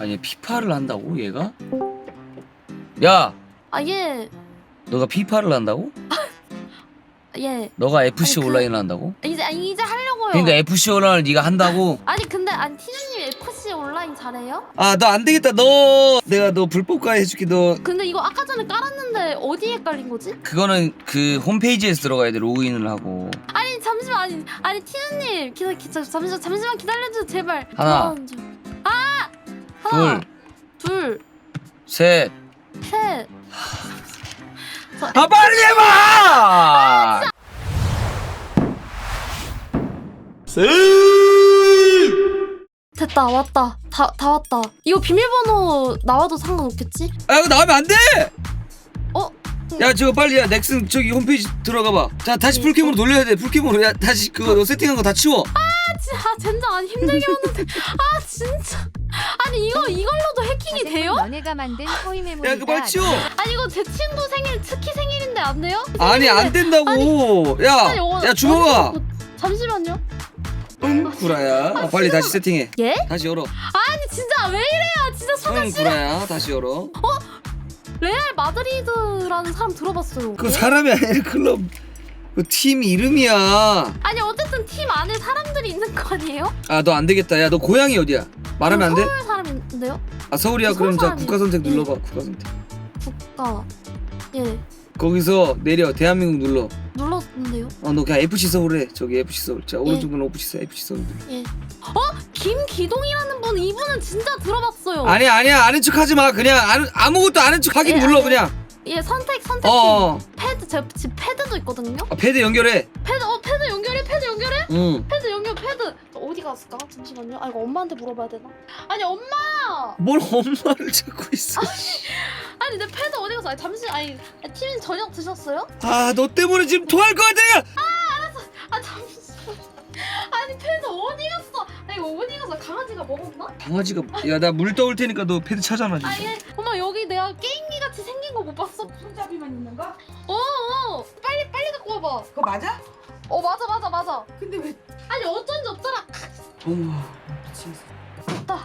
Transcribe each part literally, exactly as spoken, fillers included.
아니 피파를 한다고 얘가? 야! 아 예. 너가 피파를 한다고? 예. 너가 에프씨 아니, 그- 온라인을 한다고? 이제 아니 이제 하려고요. 그러니까 에프씨 온라인을 네가 한다고? 아니 근데 아니 티저님 에프씨 온라인 잘해요? 아 너 안 되겠다. 너 내가 너 불법가 해줄게. 너 근데 이거 아까 전에 깔았는데 어디에 깔린 거지? 그거는 그 홈페이지에서 들어가야 돼. 로그인을 하고. 아니 잠시만 아니 아니 티저님 기다 기다 잠시만 잠시만 기다려줘 제발. 하나. 들어가는 중. 아 하나 둘, 둘 셋. 셋. 아 빨리 해봐! 됐다 왔다 다 다 왔다. 이거 비밀번호 나와도 상관없겠지? 아 이거 나오면 안 돼! 어? 야 저거 빨리 야 넥슨 저기 홈페이지 들어가봐. 자 다시 풀캠으로 돌려야 돼. 풀캠으로. 야 다시 그거 너 세팅한 거 다 치워. 아 진짜 아, 젠장 아니 힘들게 하는데 아 진짜 아니 이거 이걸로도 해킹이 돼요? 너네가 만든 토이 메모리다. 야 그거 빨리 치워. 아니 이거 제 친구 생일 특히 생일인데 안 돼요? 아니 안 된다고. 아니, 야, 어, 야 주먹아. 어디- 잠시만요. 응 구라야. 어, 빨리 다시 세팅해. 예? 다시 열어. 아니 진짜 왜 이래요? 진짜 소개 응 싫어. 구라야. 다시 열어. 레알 마드리드라는 사람 들어봤어요. 그 예? 사람이 아니라 클럽 그 팀 이름이야. 아니 어쨌든 팀 안에 사람들이 있는 거 아니에요? 아 너 안 되겠다. 야 너 고향이 어디야? 말하면 안 돼? 서울 사람인데요? 아 서울이야. 서울 그럼 자 사람이에요. 국가 선택 예. 눌러봐. 국가 선택. 국가 예 거기서 내려 대한민국 눌러. 눌렀는데요. 어 너 그냥 에프씨 서울 해. 저기 에프씨 서울. 자 오른쪽 눌러 에프씨 서울. 에프씨 서울 눌러. 예. 어? 김기동이라는 분 이분은 진짜 들어봤어요. 아니야 아니야 아는 척 하지 마. 그냥 아는, 아무것도 아는 척 하긴 예, 눌러 아니, 그냥. 예 선택 선택. 어. 패드 제 집 패드도 있거든요. 아, 패드 연결해. 패드 어 패드 연결해 패드 연결해 응. 패드 연결 패드 어디 갔을까? 잠시만요. 아 이거 엄마한테 물어봐야 되나? 아니 엄마. 뭘 엄마를 찾고 있어. 아니 내 패드 어디 갔어? 아니 잠시 아니 팀님 저녁 드셨어요? 아 너 때문에 지금 토할 것 같아. 아 잠시. 아니 패드 어디 갔어? 아니 이거 어디 갔어? 강아지가 먹었나? 강아지가 야 나 물 떠올 테니까 너 패드 찾아놔 진짜. 아예 엄마 여기 내가 게임기 같이 생긴 거 못 봤어? 손잡이만 있는 거? 어, 어 빨리 빨리 갖고 와봐. 그거 맞아? 어 맞아 맞아 맞아. 근데 왜 아니 어쩐지 없잖아. 어머. 왔다.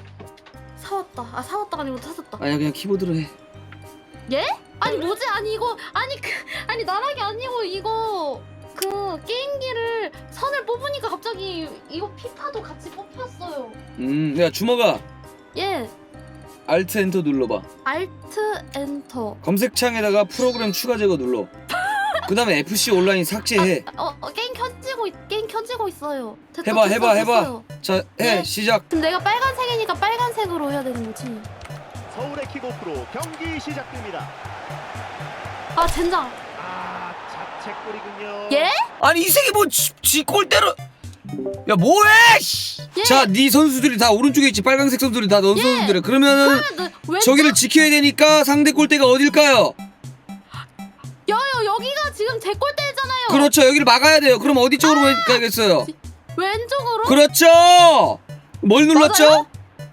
사왔다. 아 사왔다가 아니고 샀었다. 아니야 그냥 키보드로 해. 예? 아니 뭐지? 아니 이거 아니 그 아니 나락이 아니고 이거 그 게임기를 선을 뽑으니까 갑자기 이거 피파도 같이 뽑혔어요. 음, 야 주먹아. 예. 알트 엔터 눌러봐. 알트 엔터. 검색창에다가 프로그램 추가 제거 눌러. 그 다음에 에프씨 온라인 삭제해. 어, 어 게임 켜지고 있, 게임 켜지고 있어요. 됐다, 해봐 됐어, 해봐 해봐. 됐어요. 자 해 네. 시작. 근데 내가 빨간색이니까 빨간색으로 해야 되는 거지. 서울의 킥오프로 경기 시작됩니다. 아 젠장. 아, 자책골이군요. 예? 아니 이 새끼 뭐지 골대로. 야 뭐해? 씨. 예. 자, 네 선수들이 다 오른쪽에 있지. 빨간색 선수들이 다 너 예. 선수들이야. 그러면은 그러면 왜 저기를 지켜야 되니까 상대 골대가 어딜까요? 여여 여기가 지금 제 골대잖아요. 그렇죠. 여기를 막아야 돼요. 그럼 어디 쪽으로 가야겠어요? 왼쪽으로. 그렇죠. 뭘 눌렀죠? 맞아요?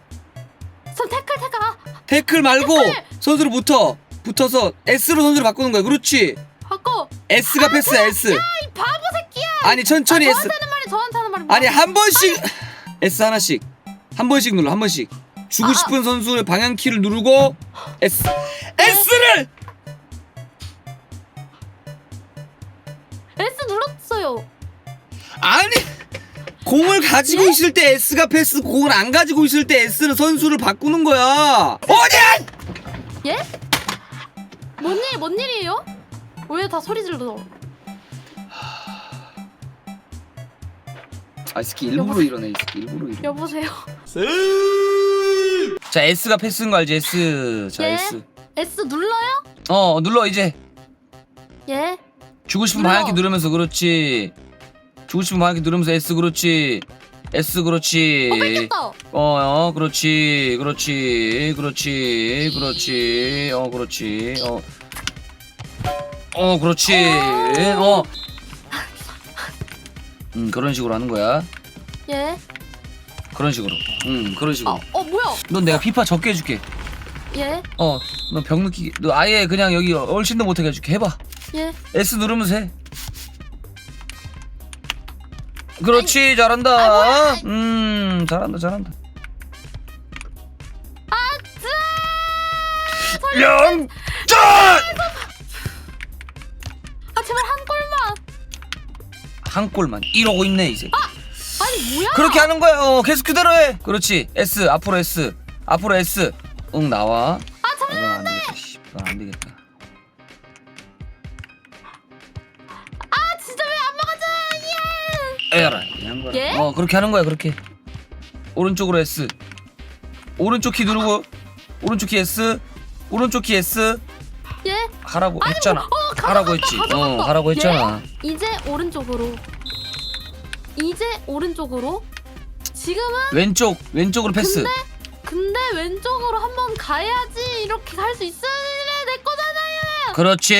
전 태클 태클. 아, 태클 말고 태클! 선수를 붙어. 붙어서 S로 선수를 바꾸는 거야. 그렇지. 바꿔. S가 패스야. S. 이 바보 새끼야. 아니 천천히 아, S. 저한테 하는 말이 저한테 하는 말이. 아니 한 번씩 S 하나씩 한 번씩 눌러 한 번씩 주고 아, 싶은 선수의 방향 키를 누르고 S S를 S 눌렀어요. 아니 공을 가지고 예? 있을 때 S가 패스 공을 안 가지고 있을 때 S는 선수를 바꾸는 거야 어디야 예? 뭔 일, 뭔 일이에요? 왜 다 소리 질러? 아 이 새끼 일부러 이러네 이 새끼 일부러 이러네 여보세요? 자 S가 패스인 거 알지 S 자 예? S S 눌러요? 어 눌러 이제 예? 주고 싶은 눌러. 방향키 누르면서 그렇지 주고 싶은 방향키 누르면서 S 그렇지 S 그렇지 어, 뺏겼다. 어, 어, 그렇지, 그렇지, 그렇지, 그렇지, 어, 그렇지, 어, 어, 그렇지, 어, 음, 그런 식으로 하는 거야. 예? 그런 식으로, 음, 그런 식으로. 어, 어 뭐야? 넌 내가 피파 적게 해줄게. 예? 어, 너 병 느끼게, 너 아예 그냥 여기 얼씬도 못하게 해줄게. 해봐. 예? S 누르면서 해. 그렇지, 아, 잘한다. 뭐야. 음, 잘한다, 잘한다. 영전! 아 제발 한 골만. 한 골만 이러고 있네 이제. 아니 뭐야? 그렇게 하는 거야. 어, 계속 그대로 해. 그렇지. S 앞으로 S 앞으로 S. 응 나와. 아 잠깐. 이건 안 되겠다. 씨, 이건 안 되겠다. 아 진짜 왜 안 막아줘? 예. 에라. 한 거야. 예? 어 그렇게 하는 거야 그렇게. 오른쪽으로 S. 오른쪽 키 누르고 오른쪽 키 S. 오른쪽 키 S. 예. 하라고 아니, 했잖아. 뭐, 어, 가져갔다, 하라고 했지. 가져갔다. 어 하라고 했잖아. 예? 이제 오른쪽으로. 이제 오른쪽으로. 지금은 왼쪽 왼쪽으로 패스. 근데 근데 왼쪽으로 한번 가야지 이렇게 갈 수 있어야 내 거잖아요. 그렇지.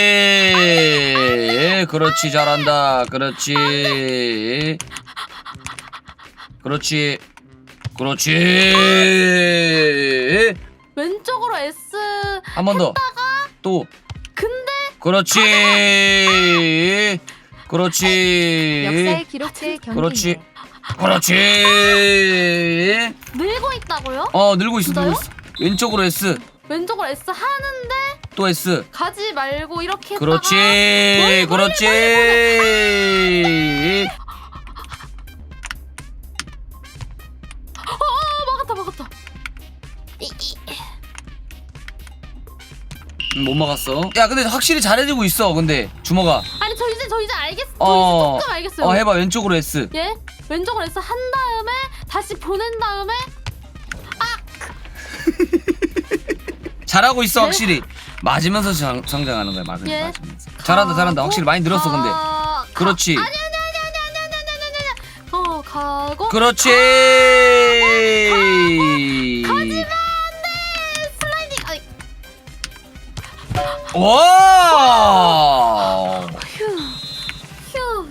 그렇지 잘한다. 그렇지. 그렇지. 그렇지. 왼쪽으로 S. 한 번 더. 또. 근데 그렇지. 그렇지. 역사의 기록체 경기. 그렇지. 그렇지. 늘고 있다고요? 어 늘고 있어 늘고 진짜요? 있어. 왼쪽으로 S. 왼쪽으로 S 하는데 또 S. 가지 말고 이렇게 그렇지. 멀리, 그렇지. 했다가, 어 막았다 막았다. 이, 이. 음, 못 막았어. 야 근데 확실히 잘해지고 있어. 근데 주먹아. 아니 저 이제 저 이제 알겠어. 저 어. 이제 조금 알겠어요. 어 해봐 왼쪽으로 S. 예? 왼쪽으로 S 한 다음에 다시 보낸 다음에 잘하고 있어 예? 확실히. 맞으면서 장, 성장하는 거야. 맞으면서. 예? 맞으면서. 잘한다 잘한다. 확실히 많이 늘었어 근데. 가... 그렇지. 아니 아니 아니 아니 아니 아니 아니 아니 아니. 어 가고. 그렇지. 가지마 안돼. 슬라이딩. 아이. 와. 휴. 휴.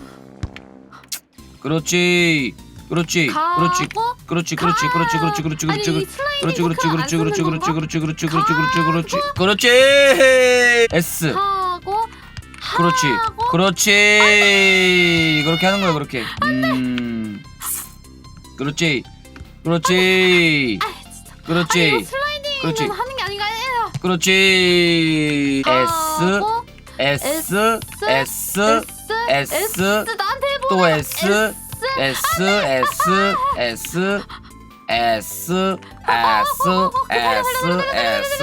그렇지. 그렇지. 가고. 그렇지. 그렇지. 그렇지. 그렇지. 그렇지. 그렇지. 아니, 그렇지. 이 슬라이딩 그렇지. 그렇지. 포크 안 그렇지. 그렇지. 쓰는 그렇지. 건가? 그렇지. 그렇지. 그렇지. 그렇지. 그렇지. 그렇지. S. 하고. 그렇지. 하고. 그렇지. 그렇게 하는 거야, 그렇게. 음. 그렇지. 그렇지. 아 진짜. 아니 그렇지. 이거 슬라이딩은 그렇지. 하는 게 아닌가요? 그렇지. S. 하고. S. S. S. S. 나한테 해보. 또 S. S. S. S. S. S. S. S.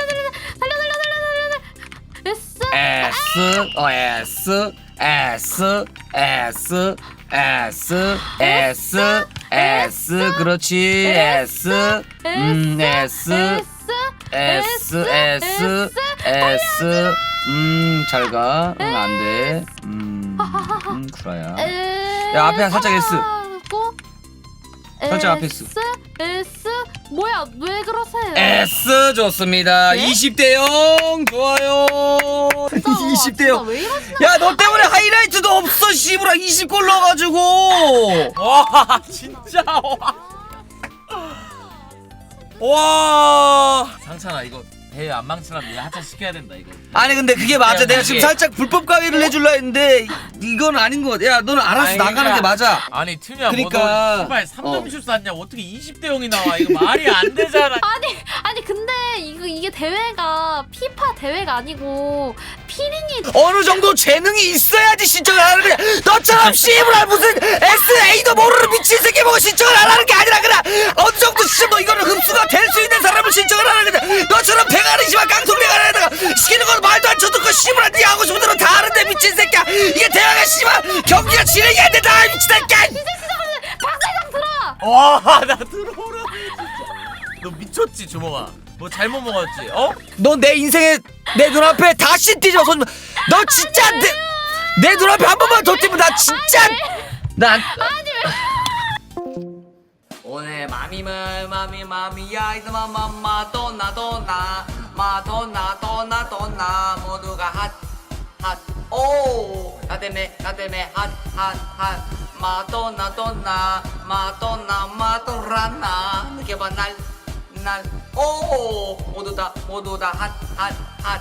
S. S. 어 S. S. S. S. S. S. 그렇지. S. 음 S. S. S. S. 음 잘 가. 응 안 돼. 음. 음 구라야. 야, 앞에 살짝 S. 살짝 앞에 S. S 뭐야 왜 그러세요? S 좋습니다. 예? 이십 대 영 좋아요. 진짜, 이십 대 진짜 영. 왜 이러시나? 야 너 때문에 하이라이트도 없어 씨부라. 이십 골 넣어가지고. 와 진짜 와 상찬아 이거 대회 안 망치려면 얘 하차 시켜야 된다 이거. 아니 근데 그게 맞아. 야, 내가 이게- 지금 살짝 불법 가위를 해줄라 했는데 이건 아닌 것 같아. 야 너는 알아서 아니, 나가는 그러니까- 게 맞아. 아니 틈이야 그러니까, 뭐너 씨발 삼 점 슛 쐈냐 어떻게 이십 대 영이 나와 이거 말이 안 되잖아. 아니 아니 근데 이거 이게 대회가 피파 대회가 아니고 피링이 어느 정도 재능이 있어야지 신청을 하는 거야. 너처럼 씨부라 무슨 에스에이도 모르는 미친 새끼 보고 신청을 안 하는 게 아니라 그냥 어느 정도 진짜 뭐 이거는 흡수가 될 수 있는 사람을 신청을 하는 거야. 너처럼 대가리 씨발 깡통대가리에다가 시키는 건 말도 안 쳐듣고 씨부라 네 하고 싶은 대로 다 하는데 미친 새끼야. 이게 대회가 씨발 경기가 진행이 안 된다 미친 새끼야. 박사장 들어와. 와 나 들어오라 진짜. 너 미쳤지 주먹아. 뭐 잘못 먹었지 어? 너 내 인생에 내 눈앞에 다시 뒤져서 너 진짜 내, 내 눈앞에 한 번만 더 뛰면 나 진짜 난 오늘 마미물 마미 마미야 이스마 마마 도나 도나 마도나 도나 도나 모두가 핫핫오 나 때문에 나 때문에 핫핫핫 마도나 도나 마도나 마도라나 느껴봐 날날오 모두 다 모두 다 핫핫핫